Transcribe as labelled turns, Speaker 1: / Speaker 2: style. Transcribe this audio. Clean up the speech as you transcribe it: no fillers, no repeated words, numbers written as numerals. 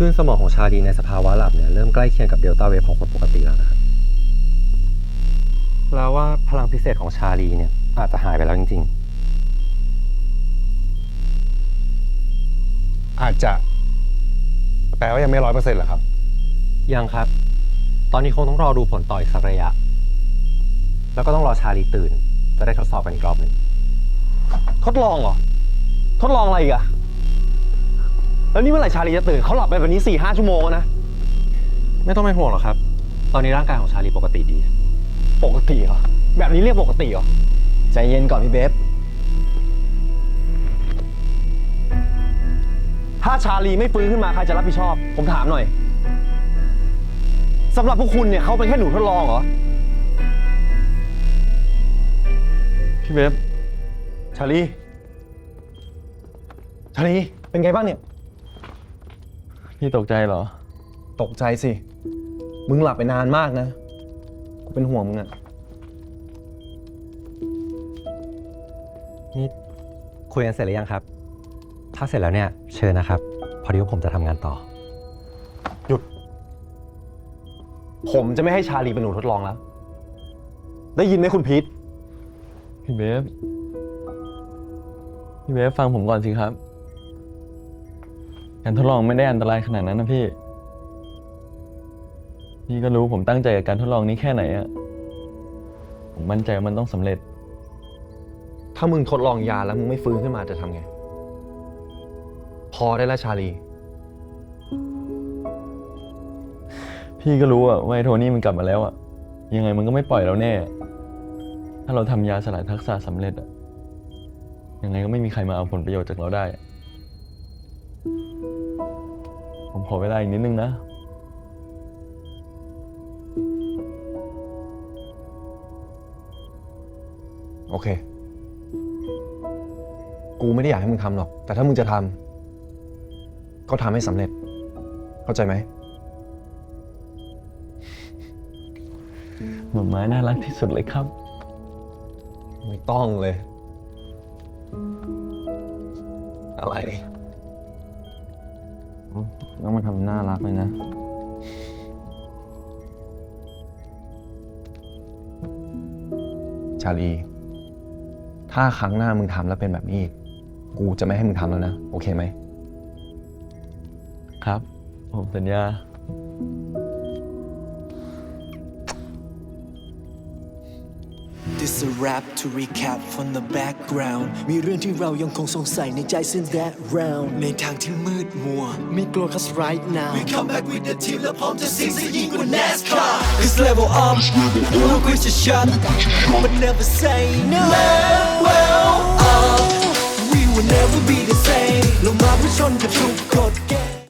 Speaker 1: ลื่นสมองของชาลีในสภาวะหลับเนี่ยเริ่มใกล้เคียงกับเดลต้าเวฟของคนปกติแล้วนะครับแล้วว่าพลังพิเศษของชาลีเนี่ยอาจจะหายไปแล้วจริง
Speaker 2: อาจจะแปลว่ายังไม่100%เหรอครับ
Speaker 1: ๆยังครับตอนนี้คงต้องรอดูผลต่ออีกสักระยะแล้วก็ต้องรอชาลีตื่นจะได้ทดสอบกันอีกรอบหนึ่ง
Speaker 3: ทดลองเหรอทดลองอะไรอีกอะแล้วนี่เมื่อไหร่ชาลีจะตื่นเขาหลับไปแบบนี้4-5 ชั่วโมงแล้วนะ
Speaker 1: ไม่ต้องเป็นห่วงหรอกครับตอนนี้ร่างกายของชาลีปกติดี
Speaker 3: ปกติเหรอแบบนี้เรียกปกติเหรอใจเย็นก่อนพี่เบฟถ้าชาลีไม่ฟื้นขึ้นมาใครจะรับผิดชอบผมถามหน่อยสำหรับพวกคุณเนี่ยเขาเป็นแค่หนูทดลองเหรอพี่เบฟชาลีเป็นไงบ้างเนี่ย
Speaker 4: พี่ตกใจเหรอ
Speaker 3: ตกใจสิมึงหลับไปนานมากนะกูเป็นห่วงมึงอะ
Speaker 1: นี่คุยกันเสร็จหรือยังครับถ้าเสร็จแล้วเนี่ยเชิญนะครับพอดีว่าผมจะทำงานต่อ
Speaker 3: หยุดผมจะไม่ให้ชาลีเป็นหนูทดลองแล้วได้ยินไหมคุณพีท
Speaker 4: พี่เบฟฟังผมก่อนสิครับการทดลองไม่ได้อันตรายขนาดนั้นนะพี่ก็รู้ผมตั้งใจกับการทดลองนี้แค่ไหนอะผมมั่นใจว่ามันต้องสำเร็จ
Speaker 3: ถ้ามึงทดลองยาแล้วมึงไม่ฟื้นขึ้นมาจะทำไงพอได้แล้วชาลี
Speaker 4: พี่ก็รู้อะว่าไอ้โทนี่มันกลับมาแล้วอะยังไงมันก็ไม่ปล่อยเราแน่ถ้าเราทำยาสลายทักษะสำเร็จอะยังไงก็ไม่มีใครมาเอาผลประโยชน์จากเราได้ผมขอเวลาอีกนิดนึงนะ
Speaker 3: โอเคกูไม่ได้อยากให้มึงทำหรอกแต่ถ้ามึงจะทำก็ทำให้สำเร็จเข้าใจไหม
Speaker 4: หน่อไม้น่ารักที่สุดเลยครับ
Speaker 3: ไม่ต้องเลยอะไร
Speaker 4: ต้องมาทำน่ารักเลยนะ
Speaker 3: ชาลีถ้าครั้งหน้ามึงทำแล้วเป็นแบบนี้อีกกูจะไม่ให้มึงทำแล้วนะโอเคไหม
Speaker 4: ครับผมสัญญา
Speaker 5: This a rap to recap from the background มีเรื่องที่เรายังคงสงสัยในใจ since that round ในทางที่มืดมัวไม่กลัว cause right now we come back with the team และพร้อมจะซิ่งซะยิ่งกว่า NASCAR This level up we're quick to shut but never say no well up